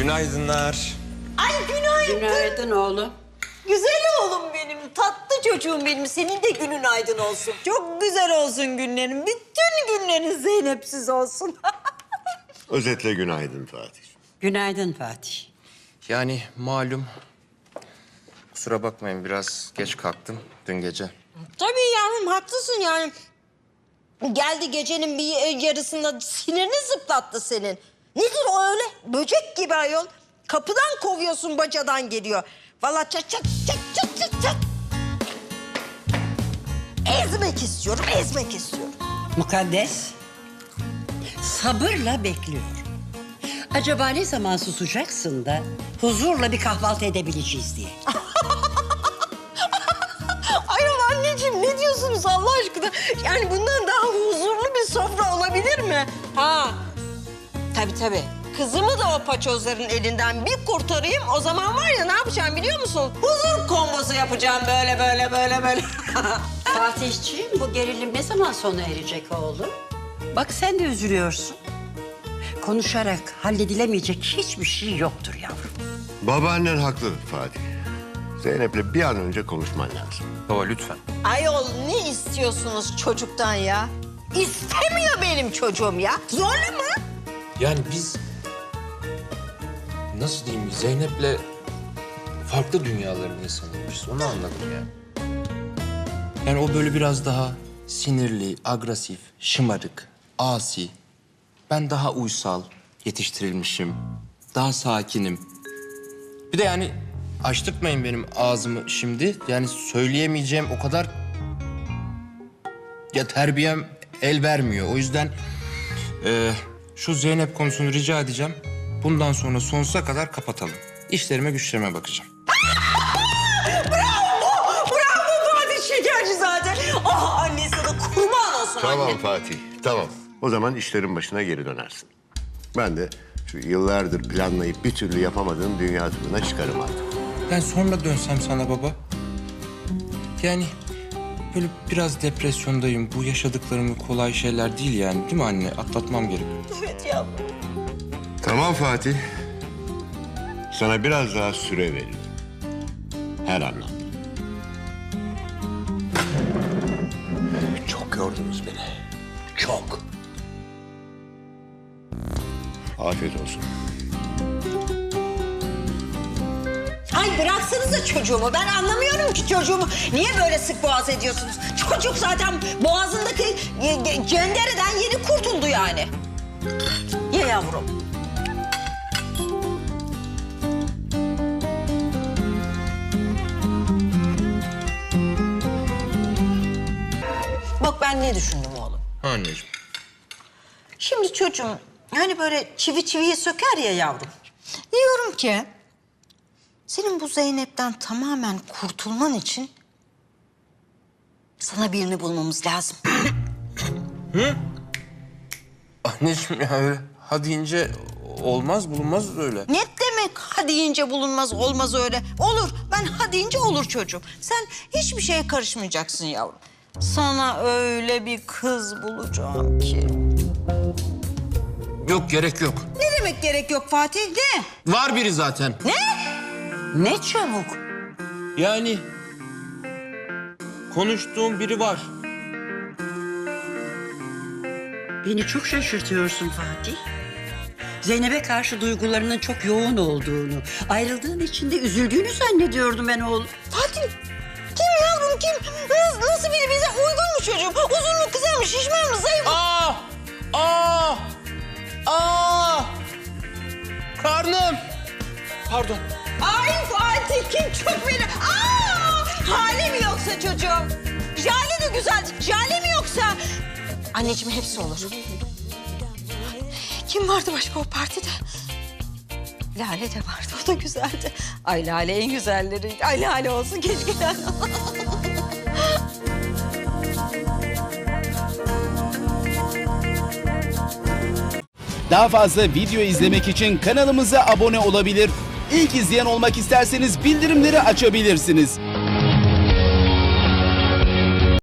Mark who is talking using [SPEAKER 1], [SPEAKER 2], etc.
[SPEAKER 1] Günaydınlar.
[SPEAKER 2] Ay günaydın.
[SPEAKER 3] Günaydın oğlum.
[SPEAKER 2] Güzel oğlum benim, tatlı çocuğum benim. Senin de günün aydın olsun. Çok güzel olsun günlerin. Bütün günlerin Zeynep'siz olsun.
[SPEAKER 4] Özetle günaydın Fatih.
[SPEAKER 3] Günaydın Fatih.
[SPEAKER 1] Yani malum, kusura bakmayın biraz geç kalktım dün gece.
[SPEAKER 2] Tabii yavrum, haklısın yani. Geldi gecenin bir yarısında sinirini zıplattı senin. Nedir o öyle? Böcek gibi ayol. Kapıdan kovuyorsun, bacadan geliyor. Vallahi çat çat çat çat çat çat. Ezmek istiyorum, ezmek istiyorum.
[SPEAKER 3] Mukaddes, sabırla bekliyorum. Acaba ne zaman susacaksın da huzurla bir kahvaltı edebileceğiz diye.
[SPEAKER 2] Ayol anneciğim, ne diyorsunuz Allah aşkına? Yani bundan daha huzurlu bir sofra olabilir mi? Ha, tabii. Kızımı da o paçozların elinden bir kurtarayım. O zaman var ya, ne yapacağım biliyor musun? Huzur kombosu yapacağım böyle.
[SPEAKER 3] Fatihciğim, bu gerilim ne zaman sona erecek oğlum? Bak sen de üzülüyorsun. Konuşarak halledilemeyecek hiçbir şey yoktur yavrum.
[SPEAKER 4] Babaannen haklı Fatih. Zeynep'le bir an önce konuşman lazım.
[SPEAKER 1] Baba lütfen.
[SPEAKER 2] Ayol, ne istiyorsunuz çocuktan ya? İstemiyor benim çocuğum ya. Zorla mı?
[SPEAKER 1] Yani biz, nasıl diyeyim, Zeynep'le farklı dünyaların insanıymışız. Onu anladım yani. Yani o böyle biraz daha sinirli, agresif, şımarık, asi. Ben daha uysal, yetiştirilmişim. Daha sakinim. Bir de yani açtırtmayın benim ağzımı şimdi. Yani söyleyemeyeceğim o kadar... Ya terbiyem el vermiyor. O yüzden şu Zeynep konusunu rica edeceğim. Bundan sonra sonsuza kadar kapatalım. İşlerime güçlerime bakacağım.
[SPEAKER 2] Bravo Fatih, şekerci zaten. Ah, anne sana kurban olsun
[SPEAKER 4] Tamam
[SPEAKER 2] anne.
[SPEAKER 4] Fatih, tamam. O zaman işlerin başına geri dönersin. Ben de şu yıllardır planlayıp bir türlü yapamadığım dünya turuna çıkarım artık.
[SPEAKER 1] Ben sonra dönsem sana baba. Yani böyle biraz depresyondayım. Bu yaşadıklarım kolay şeyler değil yani. Değil mi anne? Atlatmam gerekiyor.
[SPEAKER 2] Evet yavrum.
[SPEAKER 4] Tamam Fatih. Sana biraz daha süre veririm. Her anlamda. Çok yordunuz beni. Çok. Afiyet olsun.
[SPEAKER 2] Ay bıraksanıza çocuğumu. Ben anlamıyorum ki çocuğumu. Niye böyle sık boğaz ediyorsunuz? Çocuk zaten boğazındaki cendereden yeni kurtuldu yani. Ye yavrum. Bak ben ne düşündüm oğlum.
[SPEAKER 1] Anneciğim.
[SPEAKER 2] Şimdi çocuğum hani böyle çivi çiviyi söker ya yavrum. Diyorum ki senin bu Zeynep'ten tamamen kurtulman için sana birini bulmamız lazım.
[SPEAKER 1] Anneciğim ya öyle ha deyince olmaz bulunmaz öyle.
[SPEAKER 2] Ne demek ha deyince bulunmaz, olmaz öyle? Olur, ben ha deyince olur çocuğum. Sen hiçbir şeye karışmayacaksın yavrum. Sana öyle bir kız bulacağım ki.
[SPEAKER 1] Yok gerek yok.
[SPEAKER 2] Ne demek gerek yok Fatih? Ne?
[SPEAKER 1] Var biri zaten.
[SPEAKER 2] Ne çabuk.
[SPEAKER 1] Yani konuştuğum biri var.
[SPEAKER 3] Beni çok şaşırtıyorsun Fatih. Zeynep'e karşı duygularının çok yoğun olduğunu, ayrıldığın için de üzüldüğünü zannediyordum ben oğlum.
[SPEAKER 2] Fatih, kim yavrum kim? Nasıl biri bize uygun mu çocuğum? Uzun mu, kısa mı, şişman mı, zayıf mı?
[SPEAKER 1] Karnım. Pardon.
[SPEAKER 2] Ay Fatih, kim çok beni? Hali mi yoksa çocuğum? Jale de güzel, jale mi yoksa? Anneciğim hepsi olur. Kim vardı başka o partide? Lale de vardı, o da güzeldi. Ay Lale en güzelleriydi. Ay Lale olsun, keşke Lale.
[SPEAKER 5] Daha fazla video izlemek için kanalımıza abone olabilir. İlk izleyen olmak isterseniz bildirimleri açabilirsiniz.